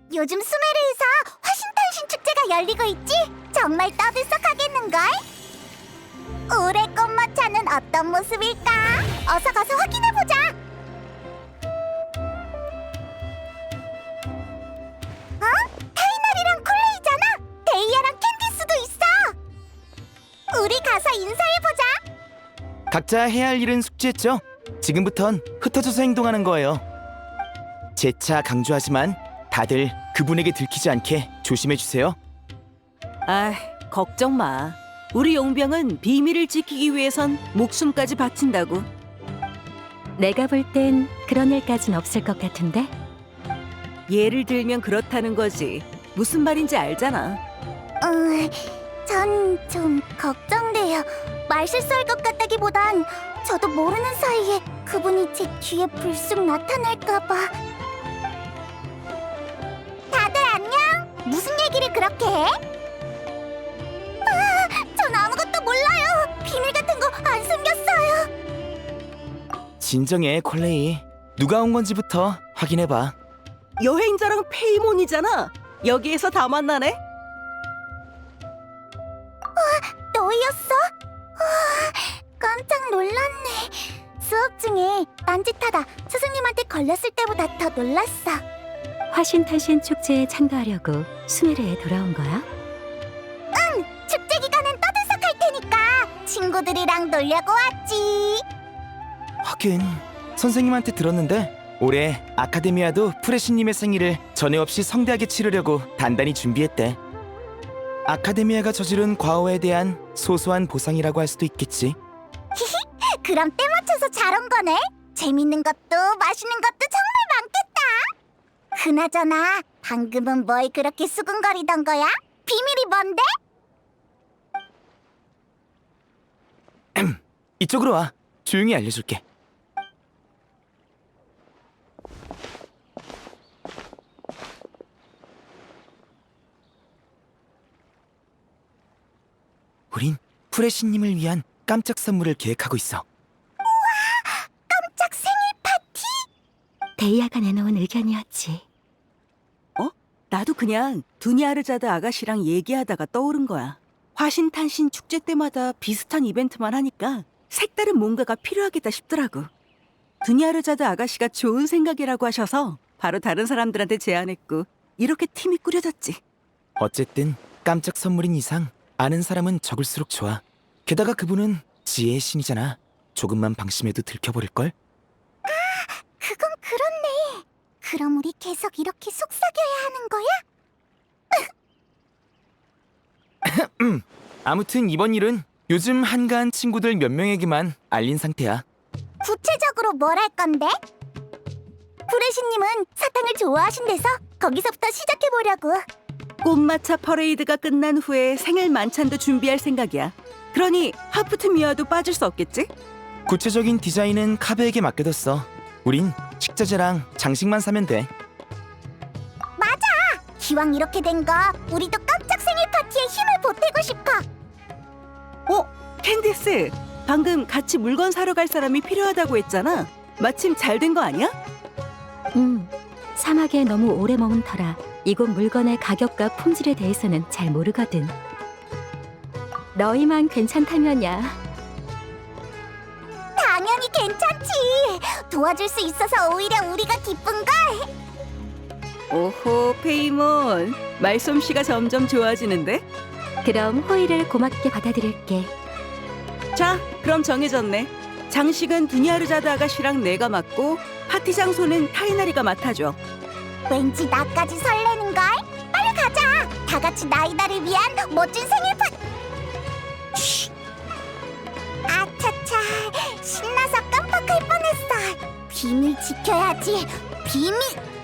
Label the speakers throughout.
Speaker 1: 요즘 수메르에서 화신탄신 축제가 열리고 있지? 정말 떠들썩하겠는걸? 올해 꽃마차는 어떤 모습일까? 어서 가서 확인해보자! 타이널이랑 콜레이잖아! 데이아랑 캔디스도 있어! 우리 가서 인사해보자!
Speaker 2: 각자 해야 할 일은 숙지했죠? 지금부턴 흩어져서 행동하는 거예요. 재차 강조하지만 다들 그분에게 들키지 않게 조심해주세요.
Speaker 3: 아, 걱정 마. 우리 용병은 비밀을 지키기 위해선 목숨까지 바친다고.
Speaker 4: 내가 볼 땐 그런 일까진 없을 것 같은데?
Speaker 3: 예를 들면 그렇다는 거지. 무슨 말인지 알잖아.
Speaker 1: 전 좀 걱정돼요. 말실수할 것 같다기보단 저도 모르는 사이에 그분이 제 뒤에 불쑥 나타날까봐. 다들 안녕? 무슨 얘기를 그렇게 해? 전 아무것도 몰라요. 비밀 같은 거 안 숨겼어요.
Speaker 2: 진정해, 콜레이. 누가 온 건지부터 확인해봐.
Speaker 3: 여행자랑 페이몬이잖아. 여기에서 다 만나네.
Speaker 1: 너였어? 깜짝 놀랐네. 수업 중에 딴짓하다 스승님한테 걸렸을 때보다 더 놀랐어.
Speaker 4: 화신탄신 축제에 참가하려고 수메르에 돌아온 거야?
Speaker 1: 축제 기간엔 떠들썩할 테니까 친구들이랑 놀려고 왔지.
Speaker 2: 하긴 선생님한테 들었는데 올해 아카데미아도 프레시님의 생일을 전에 없이 성대하게 치르려고 단단히 준비했대. 아카데미아가 저지른 과오에 대한 소소한 보상이라고 할 수도 있겠지.
Speaker 1: 그럼 때 맞춰서 잘 온 거네. 재밌는 것도 맛있는 것도 정말 많겠다. 그나저나 방금은 뭘 그렇게 수근거리던 거야? 비밀이 뭔데?
Speaker 2: 이쪽으로 와. 조용히 알려줄게. 우린 프레시님을 위한 깜짝 선물을 계획하고 있어.
Speaker 1: 깜짝 생일 파티?
Speaker 4: 데이아가 내놓은 의견이었지.
Speaker 3: 나도 그냥 두니아르자드 아가씨랑 얘기하다가 떠오른 거야. 화신탄신 축제 때마다 비슷한 이벤트만 하니까 색다른 뭔가가 필요하겠다 싶더라고. 두니아르자드 아가씨가 좋은 생각이라고 하셔서 바로 다른 사람들한테 제안했고 이렇게 팀이 꾸려졌지.
Speaker 2: 어쨌든 깜짝 선물인 이상 아는 사람은 적을수록 좋아. 게다가 그분은 지혜의 신이잖아. 조금만 방심해도 들켜버릴걸?
Speaker 1: 그건 그렇네. 그럼 우리 계속 이렇게 속삭여야 하는 거야?
Speaker 2: 아무튼 이번 일은 요즘 한가한 친구들 몇 명에게만 알린 상태야.
Speaker 1: 구체적으로 뭘 할 건데? 프레시님은 사탕을 좋아하신대서 거기서부터 시작해보려고.
Speaker 3: 꽃마차 퍼레이드가 끝난 후에 생일 만찬도 준비할 생각이야. 그러니 하프트 미아도 빠질 수 없겠지?
Speaker 2: 구체적인 디자인은 카베에게 맡겨뒀어. 우린 식자재랑 장식만 사면 돼.
Speaker 1: 기왕 이렇게 된 거 우리도 깜짝 생일 파티에 힘을 보태고 싶어.
Speaker 3: 캔디스, 방금 같이 물건 사러 갈 사람이 필요하다고 했잖아. 마침 잘 된 거 아니야?
Speaker 4: 사막에 너무 오래 머문 터라 이곳 물건의 가격과 품질에 대해서는 잘 모르거든. 너희만 괜찮다면야.
Speaker 1: 당연히 괜찮지. 도와줄 수 있어서 오히려 우리가 기쁜걸.
Speaker 3: 오호, 페이몬. 말솜씨가 점점 좋아지는데?
Speaker 4: 그럼 호의를 고맙게 받아들일게.
Speaker 3: 자, 그럼 정해졌네. 장식은 두니아르자드 아가씨랑 내가 맡고 파티 장소는 타이나리가 맡아줘.
Speaker 1: 왠지 나까지 설레는걸. 빨리 가자. 다 같이 나이다를 위한 멋진 생일 파티. 아차차, 신나서 깜빡할 뻔했어. 비밀 지켜야지. 비밀.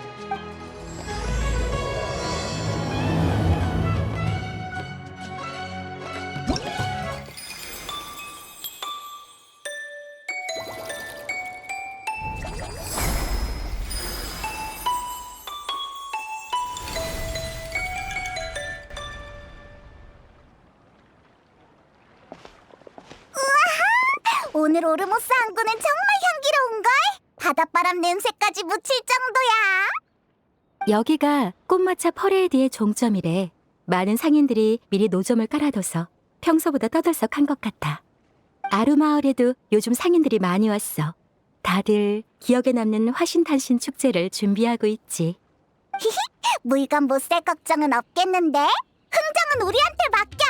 Speaker 1: 오늘 오르모스 항구는 정말 향기로운걸? 바닷바람 냄새까지 묻힐 정도야.
Speaker 4: 여기가 꽃마차 퍼레이드의 종점이래. 많은 상인들이 미리 노점을 깔아둬서 평소보다 떠들썩한 것 같아. 아루마을에도 요즘 상인들이 많이 왔어. 다들 기억에 남는 화신탄신 축제를 준비하고 있지.
Speaker 1: 물건 못 살 걱정은 없겠는데? 흥정은 우리한테 맡겨.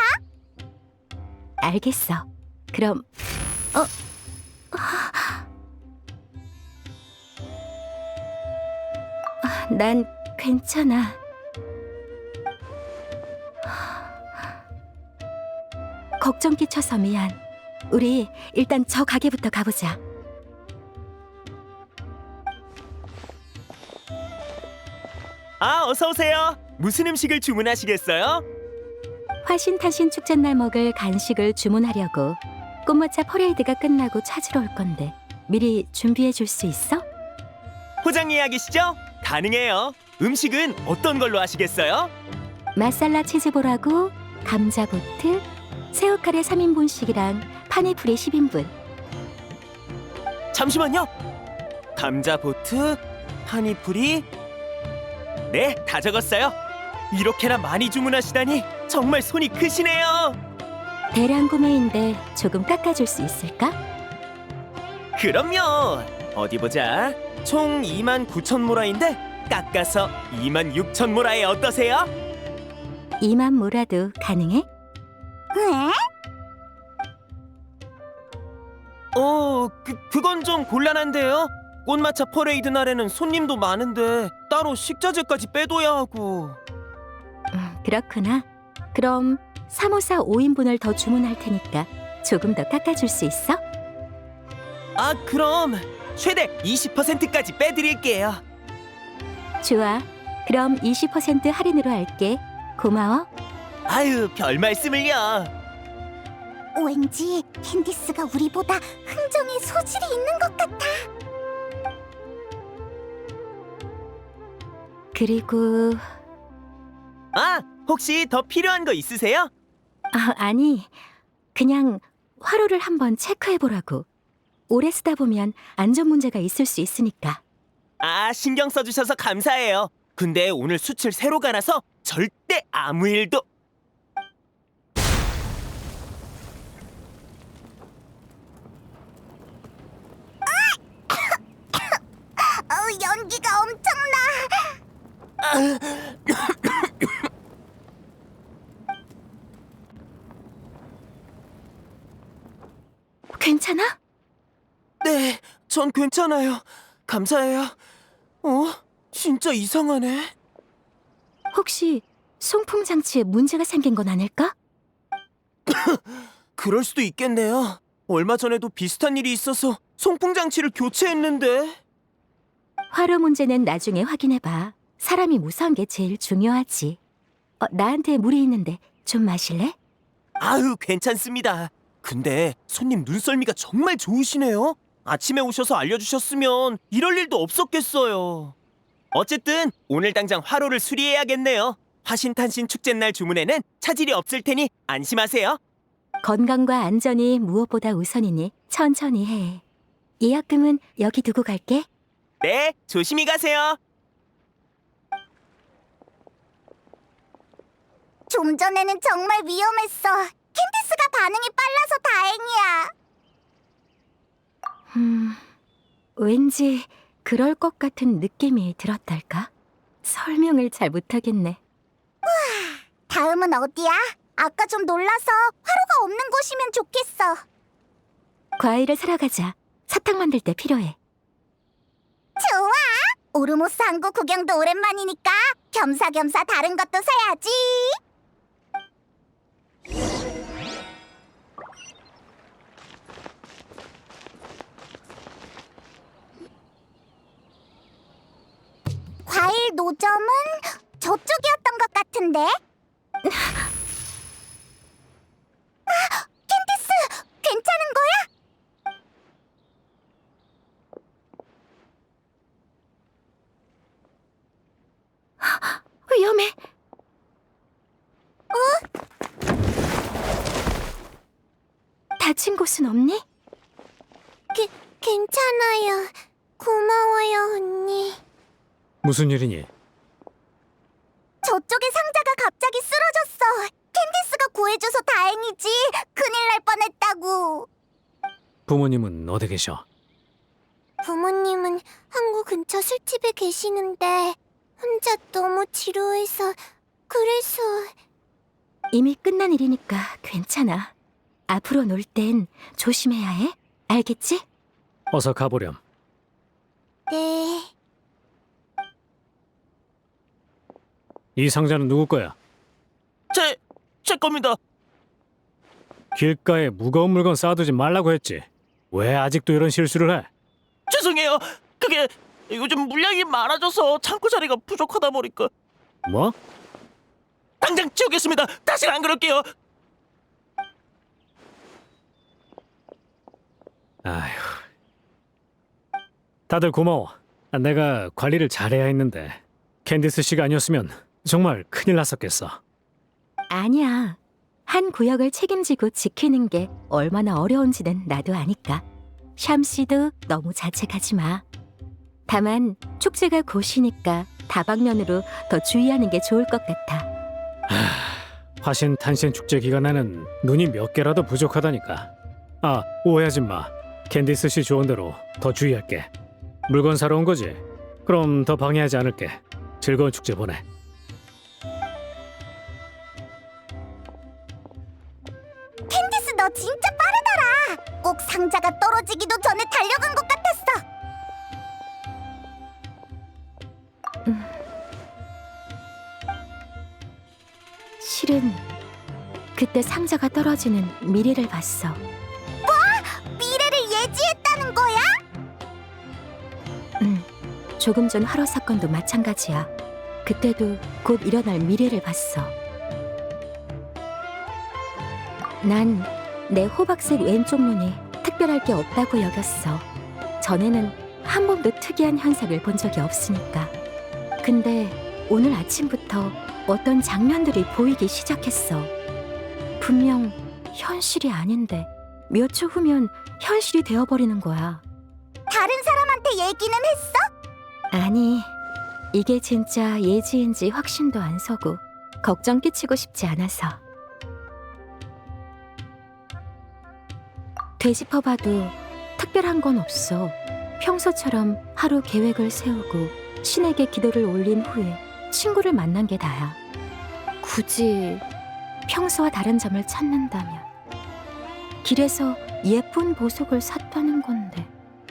Speaker 4: 알겠어. 그럼 난 괜찮아. 걱정 끼쳐서 미안. 우리 일단 저 가게부터 가보자.
Speaker 5: 아, 어서 오세요. 무슨 음식을 주문하시겠어요?
Speaker 4: 화신탄신 축제날 먹을 간식을 주문하려고. 꽃마차 퍼레이드가 끝나고 찾으러 올 건데 미리 준비해 줄 수 있어?
Speaker 5: 포장 예약이시죠? 가능해요. 음식은 어떤 걸로 하시겠어요?
Speaker 4: 마살라 치즈볼하고 감자보트, 새우카레 3인분씩이랑 파니풀이 10인분.
Speaker 5: 잠시만요. 감자보트, 파니풀이. 네, 다 적었어요. 이렇게나 많이 주문하시다니 정말 손이 크시네요.
Speaker 4: 대량 구매인데 조금 깎아줄 수 있을까?
Speaker 5: 그럼요. 어디 보자. 총 29,000모라인데 깎아서 26,000모라에 어떠세요?
Speaker 4: 2만 모라도 가능해?
Speaker 1: 응?
Speaker 5: 그건 좀 곤란한데요. 꽃마차 퍼레이드 날에는 손님도 많은데 따로 식자재까지 빼둬야 하고.
Speaker 4: 그렇구나. 그럼 354 5인분을 더 주문할 테니까 조금 더 깎아줄 수 있어?
Speaker 5: 아, 그럼 최대 20%까지 빼드릴게요.
Speaker 4: 좋아. 그럼 20% 할인으로 할게. 고마워.
Speaker 5: 아유, 별 말씀을요.
Speaker 1: 왠지 캔디스가 우리보다 흥정에 소질이 있는 것 같아.
Speaker 4: 그리고
Speaker 5: 아, 혹시 더 필요한 거 있으세요?
Speaker 4: 아니, 그냥 화로를 한번 체크해보라고. 오래 쓰다 보면 안전 문제가 있을 수 있으니까.
Speaker 5: 아, 신경 써주셔서 감사해요. 근데 오늘 수출 새로 가나서 절대 아무 일도.
Speaker 1: 연기가 엄청나.
Speaker 4: 괜찮아?
Speaker 5: 네, 전 괜찮아요. 감사해요. 진짜 이상하네.
Speaker 4: 혹시 송풍 장치에 문제가 생긴 건 아닐까?
Speaker 5: 그럴 수도 있겠네요. 얼마 전에도 비슷한 일이 있어서 송풍 장치를 교체했는데.
Speaker 4: 화로 문제는 나중에 확인해봐. 사람이 무사한 게 제일 중요하지. 나한테 물이 있는데 좀 마실래?
Speaker 5: 아유, 괜찮습니다. 근데 손님 눈썰미가 정말 좋으시네요. 아침에 오셔서 알려주셨으면 이럴 일도 없었겠어요. 어쨌든 오늘 당장 화로를 수리해야겠네요. 화신탄신 축제날 주문에는 차질이 없을 테니 안심하세요.
Speaker 4: 건강과 안전이 무엇보다 우선이니 천천히 해. 예약금은 여기 두고 갈게.
Speaker 5: 네, 조심히 가세요.
Speaker 1: 좀 전에는 정말 위험했어. 캔디스가 반응이 빨라서 다행이야.
Speaker 4: 왠지 그럴 것 같은 느낌이 들었달까? 설명을 잘 못하겠네.
Speaker 1: 다음은 어디야? 아까 좀 놀라서 화로가 없는 곳이면 좋겠어.
Speaker 4: 과일을 사러 가자. 사탕 만들 때 필요해.
Speaker 1: 좋아. 오르모스 항구 구경도 오랜만이니까 겸사겸사 다른 것도 사야지. 과일 노점은 저쪽이었던 것 같은데? 캔디스, 괜찮은 거야?
Speaker 4: 위험해. 다친 곳은 없니?
Speaker 1: 괜찮아요. 고마워요, 언니.
Speaker 6: 무슨 일이니? 부모님은 어디 계셔?
Speaker 1: 부모님은 항구 근처 술집에 계시는데 혼자 너무 지루해서 그래서
Speaker 4: 이미 끝난 일이니까 괜찮아. 앞으로 놀 땐 조심해야 해. 알겠지?
Speaker 6: 어서 가보렴.
Speaker 1: 네.
Speaker 6: 이 상자는 누구 거야?
Speaker 5: 제 겁니다.
Speaker 6: 길가에 무거운 물건 쌓아두지 말라고 했지. 왜 아직도 이런 실수를 해?
Speaker 5: 죄송해요. 그게 요즘 물량이 많아져서 창고 자리가 부족하다 보니까.
Speaker 6: 뭐?
Speaker 5: 당장 치우겠습니다. 다시는 안 그럴게요.
Speaker 6: 아휴. 다들 고마워. 내가 관리를 잘해야 했는데 캔디스 씨가 아니었으면 정말 큰일 났었겠어.
Speaker 4: 아니야. 한 구역을 책임지고 지키는 게 얼마나 어려운지는 나도 아니까. 샴씨도 너무 자책하지 마. 다만 축제가 곧이니까 다방면으로 더 주의하는 게 좋을 것 같아.
Speaker 6: 화신 탄신 축제 기간에는 눈이 몇 개라도 부족하다니까. 아, 오해하지 마. 캔디스 씨 조언대로 더 주의할게. 물건 사러 온 거지? 그럼 더 방해하지 않을게. 즐거운 축제 보내.
Speaker 1: 캔디스 너 진짜 빠르더라. 꼭 상자가 떨어지기도 전에 달려간 것 같았어.
Speaker 4: 실은 그때 상자가 떨어지는 미래를 봤어.
Speaker 1: 미래를 예지했다는 거야?
Speaker 4: 조금 전 화로 사건도 마찬가지야. 그때도 곧 일어날 미래를 봤어. 난 내 호박색 왼쪽 눈이 특별할 게 없다고 여겼어. 전에는 한 번도 특이한 현상을 본 적이 없으니까. 근데 오늘 아침부터 어떤 장면들이 보이기 시작했어. 분명 현실이 아닌데 몇 초 후면 현실이 되어버리는 거야.
Speaker 1: 다른 사람한테 얘기는 했어?
Speaker 4: 아니, 이게 진짜 예지인지 확신도 안 서고 걱정 끼치고 싶지 않아서. 되짚어봐도 특별한 건 없어. 평소처럼 하루 계획을 세우고 신에게 기도를 올린 후에 친구를 만난 게 다야. 굳이 평소와 다른 점을 찾는다면 길에서 예쁜 보석을 샀다는 건데.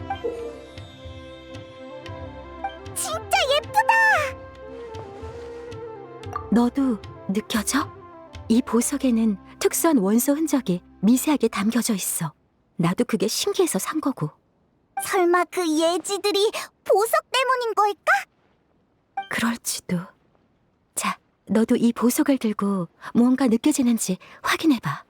Speaker 1: 진짜 예쁘다.
Speaker 4: 너도 느껴져? 이 보석에는 특수한 원소 흔적이 미세하게 담겨져 있어. 나도 그게 신기해서 산 거고.
Speaker 1: 설마 그 예지들이 보석 때문인 걸까?
Speaker 4: 그럴지도. 자, 너도 이 보석을 들고 무언가 느껴지는지 확인해봐.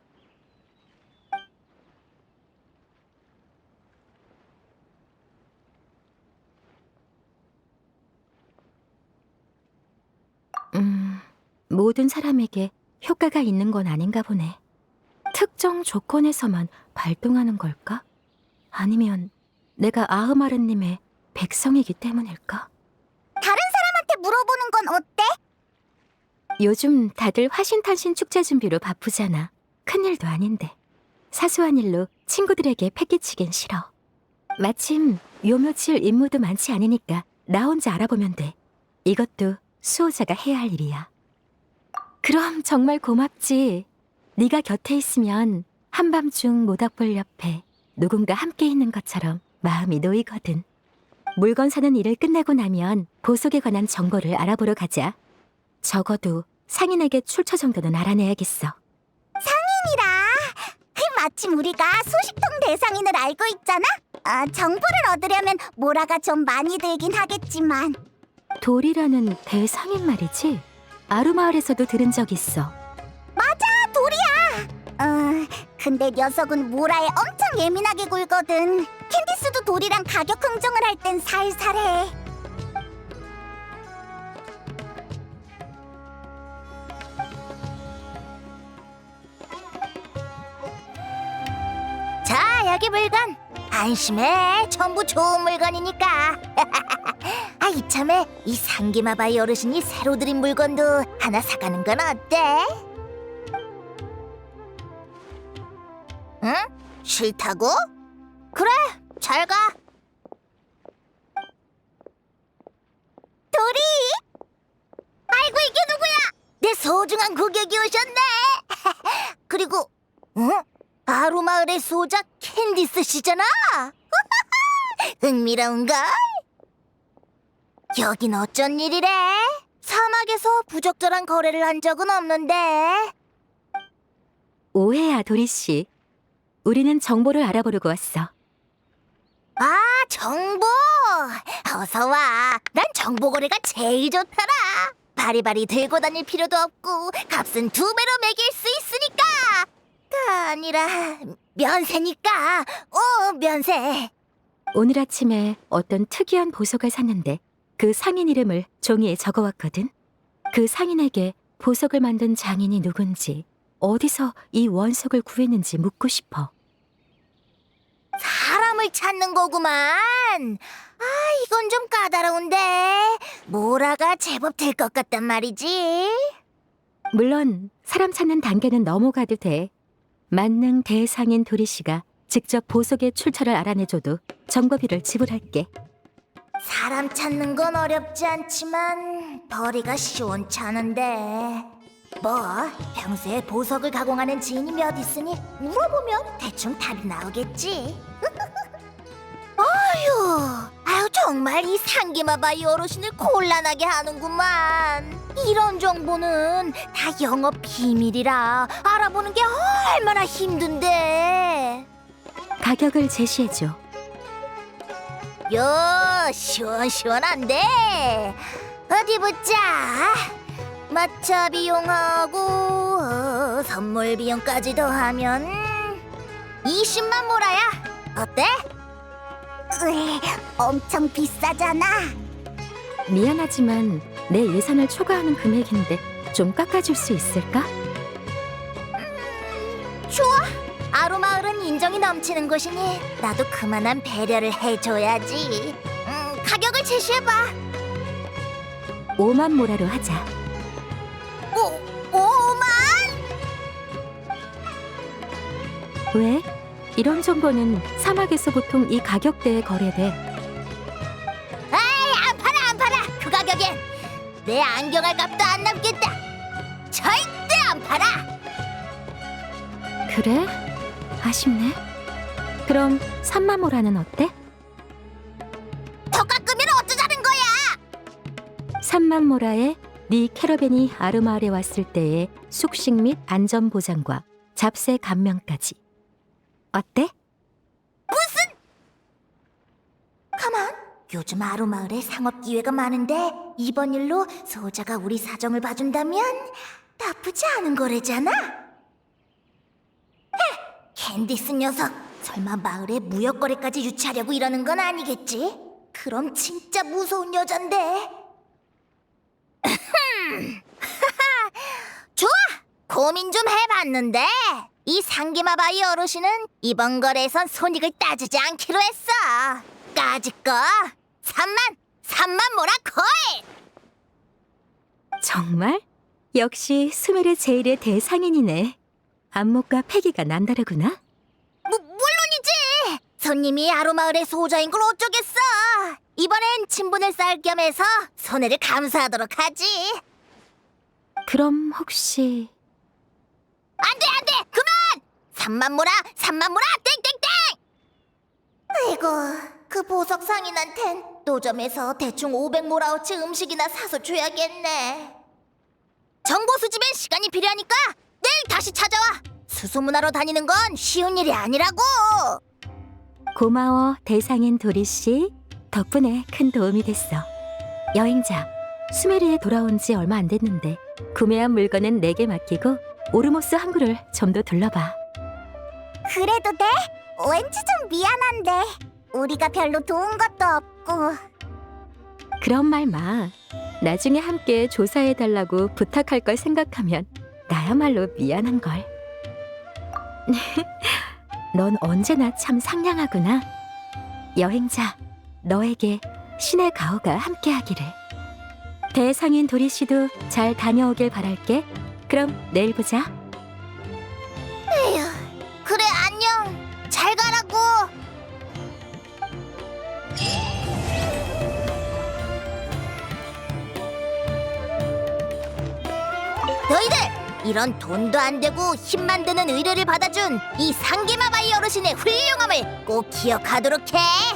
Speaker 4: 모든 사람에게 효과가 있는 건 아닌가 보네. 특정 조건에서만 발동하는 걸까? 아니면 내가 아흐마르님의 백성이기 때문일까?
Speaker 1: 다른 사람한테 물어보는 건 어때?
Speaker 4: 요즘 다들 화신탄신 축제 준비로 바쁘잖아. 큰일도 아닌데. 사소한 일로 친구들에게 패기치긴 싫어. 마침 요 며칠 임무도 많지 않으니까 나 혼자 알아보면 돼. 이것도 수호자가 해야 할 일이야. 그럼 정말 고맙지. 네가 곁에 있으면 한밤중 모닥불 옆에 누군가 함께 있는 것처럼 마음이 놓이거든. 물건 사는 일을 끝내고 나면 보석에 관한 정보를 알아보러 가자. 적어도 상인에게 출처 정도는 알아내야겠어.
Speaker 1: 상인이라. 마침 우리가 소식통 대상인을 알고 있잖아. 정보를 얻으려면 모라가 좀 많이 들긴 하겠지만.
Speaker 4: 돌이라는 대상인 말이지? 아루마을에서도 들은 적 있어.
Speaker 1: 맞아, 돌이야. 근데 녀석은 모라에 엄청 예민하게 굴거든. 캔디스도 돌이랑 가격 흥정을 할 땐 살살해. 자, 여기 물건. 안심해. 전부 좋은 물건이니까. 이참에 이 상기마바이 어르신이 새로 들인 물건도 하나 사가는 건 어때? 응? 싫다고? 그래, 잘 가. 도리! 아이고, 이게 누구야? 내 소중한 고객이 오셨네. 그리고, 아루마을의 소작 캔디스 씨잖아. 흥미로운걸? 여긴 어쩐 일이래? 사막에서 부적절한 거래를 한 적은 없는데.
Speaker 4: 오해야, 도리 씨. 우리는 정보를 알아보려고 왔어.
Speaker 1: 아, 정보! 어서 와. 난 정보 거래가 제일 좋더라. 바리바리 들고 다닐 필요도 없고 값은 2배로 매길 수 있으니까. 가 아니라 면세니까. 면세.
Speaker 4: 오늘 아침에 어떤 특이한 보석을 샀는데 그 상인 이름을 종이에 적어왔거든. 그 상인에게 보석을 만든 장인이 누군지, 어디서 이 원석을 구했는지 묻고 싶어.
Speaker 1: 사람을 찾는 거구만. 아, 이건 좀 까다로운데. 모라가 제법 될 것 같단 말이지.
Speaker 4: 물론 사람 찾는 단계는 넘어가도 돼. 만능 대상인 도리 씨가 직접 보석의 출처를 알아내줘도 정보비를 지불할게.
Speaker 1: 사람 찾는 건 어렵지 않지만 벌이가 시원찮은데. 뭐 평소에 보석을 가공하는 지인이 몇 있으니 물어보면 대충 답이 나오겠지. 아유 정말 이 상기마바이 어르신을 곤란하게 하는구만. 이런 정보는 다 영업 비밀이라 알아보는 게 얼마나 힘든데.
Speaker 4: 가격을 제시해줘.
Speaker 1: 요 시원시원한데. 어디 보자. 마차 비용하고 선물 비용까지 더하면 20만 모라야. 어때? 엄청 비싸잖아.
Speaker 4: 미안하지만 내 예산을 초과하는 금액인데 좀 깎아줄 수 있을까?
Speaker 1: 좋아. 아루마을은 인정이 넘치는 곳이니 나도 그만한 배려를 해줘야지. 가격을 제시해봐.
Speaker 4: 5만 모라로 하자.
Speaker 1: 5만?
Speaker 4: 왜? 이런 정보는 사막에서 보통 이 가격대에 거래돼.
Speaker 1: 에이, 안 팔아. 그 가격엔 내 안경할 값도 안 남겠다. 절대 안 팔아.
Speaker 4: 그래? 아쉽네. 그럼 3만 모라는 어때?
Speaker 1: 더 깎으면 어쩌자는 거야?
Speaker 4: 3만 모라에 네 캐러밴이 아르마을에 왔을 때의 숙식 및 안전 보장과 잡세 감면까지. 어때?
Speaker 1: 가만. 요즘 아루마을에 상업 기회가 많은데 이번 일로 소자가 우리 사정을 봐준다면 나쁘지 않은 거래잖아. 캔디스 녀석, 설마 마을에 무역 거래까지 유치하려고 이러는 건 아니겠지? 그럼 진짜 무서운 여잔데. 좋아! 고민 좀 해봤는데 이 상기마바이 어르신은 이번 거래에선 손익을 따지지 않기로 했어. 까짓 거 3만 모라 거이!
Speaker 4: 정말? 역시 수메르 제일의 대상인이네. 안목과 패기가 남다르구나.
Speaker 1: 물론이지! 손님이 아루마을의 소자인 걸 어쩌겠어. 이번엔 친분을 쌓을 겸해서 손해를 감수하도록 하지.
Speaker 4: 그럼 혹시
Speaker 1: 안 돼! 그만! 3만 모라 땡땡땡! 아이고, 그 보석 상인한텐 노점에서 대충 500모라어치 음식이나 사서 줘야겠네. 정보 수집엔 시간이 필요하니까 내일 다시 찾아와. 수소문하러 다니는 건 쉬운 일이 아니라고.
Speaker 4: 고마워, 대상인 도리 씨. 덕분에 큰 도움이 됐어. 여행자, 수메르에 돌아온 지 얼마 안 됐는데 구매한 물건은 내게 맡기고 오르모스 항구를 좀 더 둘러봐.
Speaker 1: 그래도 돼? 왠지 좀 미안한데 우리가 별로 도운 것도 없고.
Speaker 4: 그런 말 마. 나중에 함께 조사해달라고 부탁할 걸 생각하면 나야말로 미안한걸. 넌 언제나 참 상냥하구나. 여행자, 너에게 신의 가호가 함께하기를. 대상인 도리 씨도 잘 다녀오길 바랄게. 그럼 내일 보자.
Speaker 1: 에휴, 그래 안녕. 잘 가라고. 이런 돈도 안 되고 힘만 드는 의뢰를 받아준 이 상기마바이 어르신의 훌륭함을 꼭 기억하도록 해.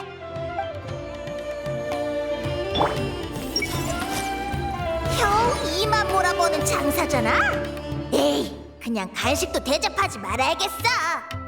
Speaker 1: 겨우 이만 몰아보는 장사잖아. 에이, 그냥 간식도 대접하지 말아야겠어.